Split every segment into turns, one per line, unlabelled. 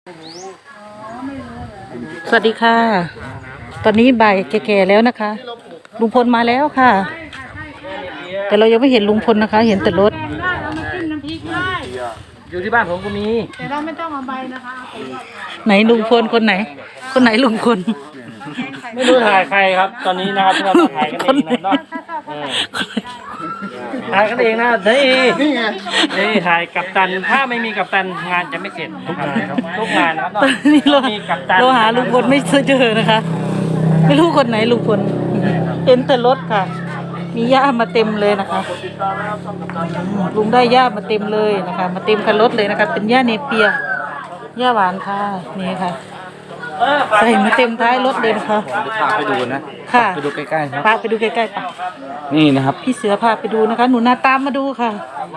สวัสดีค่ะตอนนี้บ่ายแก่ๆแล้วนะคะลุงพลมาแล้วค่ะแต่เรายังไม่เห็นลุงพลนะคะเห็นแต่รถ
อยู่ที่บ้านผมก็มี
แต่เราไม่ต้องเอาใบนะคะ
ไหนลุงพลคนไหนลุงพล
ไม่รู้ถ่ายใครครับตอนนี้นะครับเราถ่ายกันเองนะถ่ายกันเองนะนี่ถ่ายกัปตันถ้าไม่มีกัปตันงานจะไม่เสร็จทุกงานนะครับ
นี่เราหาลุงพลไม่เจอนะคะไม่รู้คนไหนลุงพลเห็นแต่รถค่ะมีหญ้ามาเต็มเลยนะคะลุงได้หญ้ามาเต็มเลยนะคะมาเต็มคันรถเลยนะคะเป็นหญ้าเนเปียหญ้าหวานค่ะนี่ค่ะใส่มาเต็มท้ายรถเลยนะคะ
พาไปดูนะ
ค่ะ
ไปดูใกล้ๆครับ
พาไปดูใกล้ๆป่ะ
นี่นะครับ
พี่เสือพาไปดูนะคะหนูนาตามมาดูค่ะ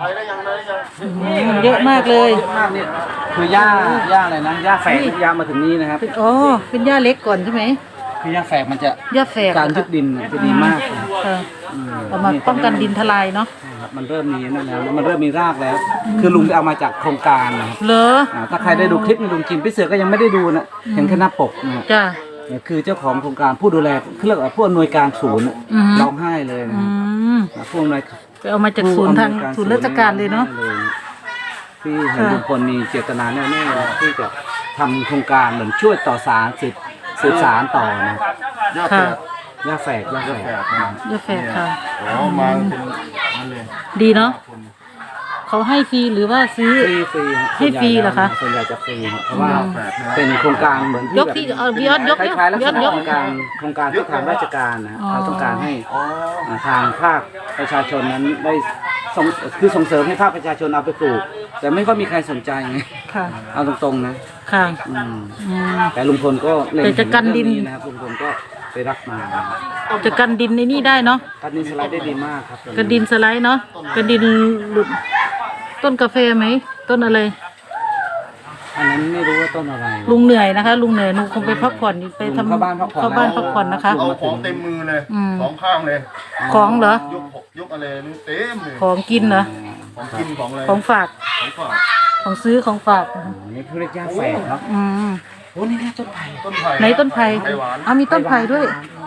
เยอะมากเลย
นี่คือหญ้าอะไรนะหญ้าแฝกหญ้ามาถึงนี่นะครับ
อ๋อเป็นหญ้าเล็กก่อนใช่ไหม
คือหญ้าแฝกมันจะ
หญ้าแฝก
การยึดดินจะดีมาก
เอามาป้องกันดินทลายเนาะ
มันเริ่มมีนั่นแล้วมันเริ่มมีรากแล้วคือลุงเอามาจากโครงการ
เหรอ
ถ้าใครได้ดูคลิปในลุงจิมพี่เสือก็ยังไม่ได้ดูนะเห็นแค่หน้าปกนะ
จ้า
คือเจ้าของโครงการผู้ดูแลเรียกว่าผู้อำนวยการศูนย์ร้องไห้เลยนะผู้อำนวย
ไปเอามาจากศูนย์ทางศูนย์ราชการเลยเนาะ
ที่เห็นลุงพลมีเจตนาแน่ๆที่จะทำโครงการเหมือนช่วยต่อสารสืบสารต่อนะหญ้าแฝก
หญ้าแฝกค่ะ
มาเป็นนั่นเลย
ดีเนาะเขาให้ฟรีหรือว่าซื้อให้ฟรีเหรอคะ
ส่วนใหญ่จะฟรีเพราะว่าเป็นโครงการเหมือน
ยกที่ยอด
คล้ายๆลักษณะโครงการที่ทางราชการนะเขาต้องการให้ทางภาคประชาชนนั้นได้ส่งเสริมให้ภาคประชาชนเอาไปปลูกแต่ไม่ค่อยมีใครสนใจไงเอาตรงๆนะ
ค่ะ
แต่ลุงพลก็เล็ง
จะกันดิน
นะครับลุงพลก็ไปรับมา
จะกันดินในนี่ได้เนาะ
กันดินสไลด์ได้ดีมากครับ
กันดินสไลด์เนาะกันดินหลุดต้นกาแฟไหมต้นอะไร
อันนั้นไม่รู้ว่าต้นอะไร
ลุงเหนื่อยนะคะลุงเหนื่อยลุงคงไปพักผ่อนไปทำเข้าบ้านพักผ่อนนะคะ
เอาของเต็มมือเลยสองข้างเลย
ของเหร
อยกอะไรนี่เต็มเลย
ของกินเหรอ
ของกินของอะไร
ของฝากของซื้อของฝาก
นี่คือเรียกหญ้าแฝกเนาะโอ้นี่ต้นไผ่
ไหนต้นไผ่มีต้นไผ่ด้วย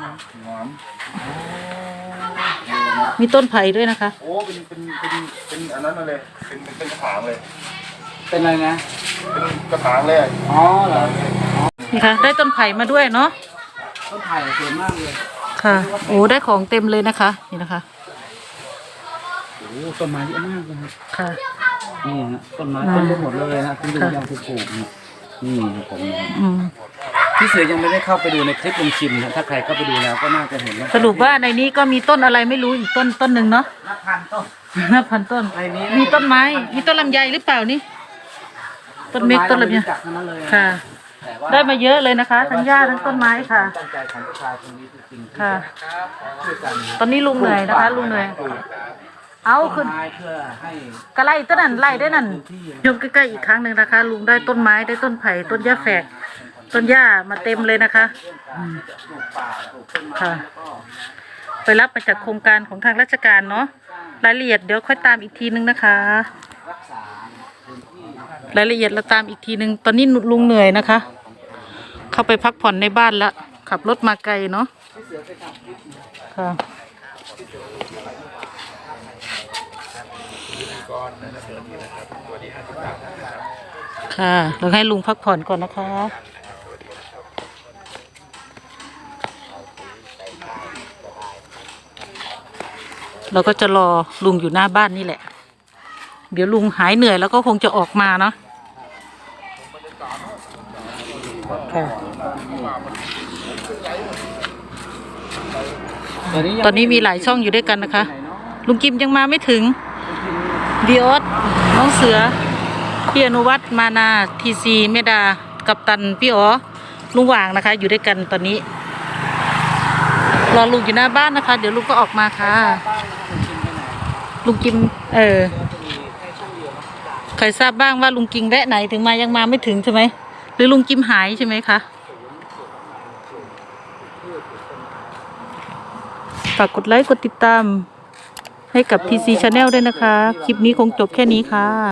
มีต้นไผ่ด้วยนะคะ
โอ้เป็นอันนั้นเลยเป็นกระถางเลย
เป็นอะไรนะ
เป็นกระถางเลย
อ๋อเหรอ
นี่ค่ะได้ต้นไผ่มาด้วยเนาะ
ต้นไผ่สวยมากเลย
ค่ะโอ้ได้ของเต็มเลยนะคะนี่นะคะ
โอ้ต้นไม้เยอะมากเลย
ค่ะ
นี่นะต้นไม้ต้นไปหมดเลยนะที่ลุงยังปลูกนี่ผมพี่เสือยังไม่ได้เข้าไปดูในคลิปลุงชิมนะถ้าใครเข้าไปดูแล้วก็น่าจะเห็น
สรุปว่าในนี้ก็มีต้นอะไรไม่รู้อีกต้นหนึ่งเนาะนับพันต้นมีต้นไม้มีต้นลำไยหรือเปล่านี่ต้นเม็กต้นลำไยค่ะได้มาเยอะเลยนะคะทั้งหญ้าทั้งต้นไม้ค่ะค่ะตอนนี้ลุงเหนื่อยนะคะลุงเหนื่อยเอาขึ้นกระไล่ต้นนั้นไล่ได้นั่นยกใกล้ๆอีกครั้งหนึ่งนะคะลุงได้ต้นไม้ได้ต้นไผ่ต้นหญ้าแฝกต้นหญ้ามาเต็มเลยนะคะค่ะไปรับมาจากโครงการของทางราชการเนาะรายละเอียดเดี๋ยวค่อยตามอีกทีนึงนะคะรายละเอียดเราตามอีกทีนึงตอนนี้ลุงเหนื่อยนะคะเข้าไปพักผ่อนในบ้านแล้วขับรถมาไกลเนาะค่ะค่ะเราให้ลุงพักผ่อนก่อนนะคะเราก็จะรอลุงอยู่หน้าบ้านนี่แหละเดี๋ยวลุงหายเหนื่อยแล้วก็คงจะออกมาเนาะค่ะตอนนี้มีหลายช่องอยู่ด้วยกันนะคะลุงกิมยังมาไม่ถึงวีออสน้องเสือพี่อนุวัฒน์มานาทีซีเมดากัปตันพี่อ๋อลุงหว่างนะคะอยู่ด้วยกันตอนนี้รอลุงอยู่หน้าบ้านนะคะเดี๋ยวลุงก็ออกมาค่ะลุงกิมใครทราบบ้างว่าลุงกิมแวะไหนถึงมายังมาไม่ถึงใช่ไหมหรือลุงกิมหายใช่ไหมคะฝากกดไลค์กดติดตามให้กับ TC Channel ด้วยนะคะคลิปนี้คงจบแค่นี้ค่ะ